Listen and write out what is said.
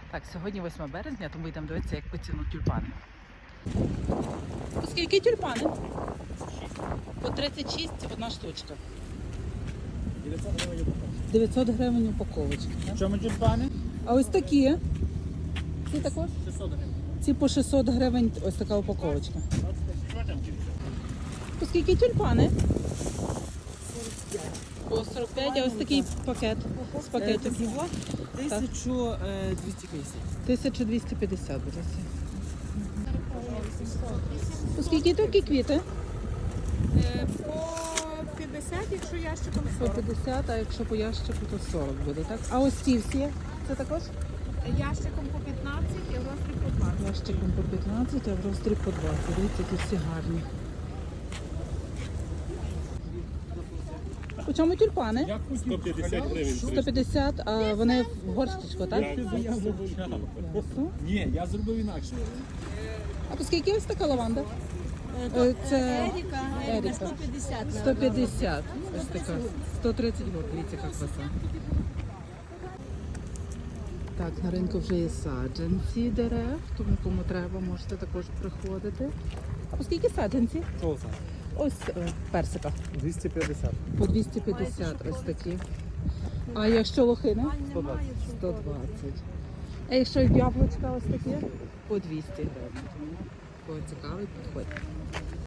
Так, сьогодні 8 березня, тому йдемо дивитися, як по ціну тюльпани. Скільки тюльпани? По 36 одна штучка. 900 гривень упаковочка. В чому тюльпани? А ось такі? Ці також? 600 гривень. Ці по 600 гривень ось така упаковочка. По скільки тюльпани? По 45, а ось такий пакет з пакетиків. 1250. 1250 буде. По скільки такі квіти? По 50, якщо ящиком По 40. 50, а якщо по ящику, то 40 буде, так? А ось ці всі? Це також? Ящиком по 15 і в розмірі по 20. Ящиком по 15, а в роздріб по 20. Дивіться, які всі гарні. По чому тюльпани? 150 гривень. 150, а вони в горщичку, так? Ні, я зробив інакше. А по скільки ось така лаванда? Це Еріка. 150. 150. Ось така. 130 год. Дивіться, яка краса. Так, на ринку вже є саджанці дерев, тому кому треба, можете також приходити. А по скільки саджанці? Ось персика. 250. По 250 ось такі. А якщо лохини? 120. 120. А якщо яблучка ось такі? По 200 гривень. Кого цікавить, підходьте.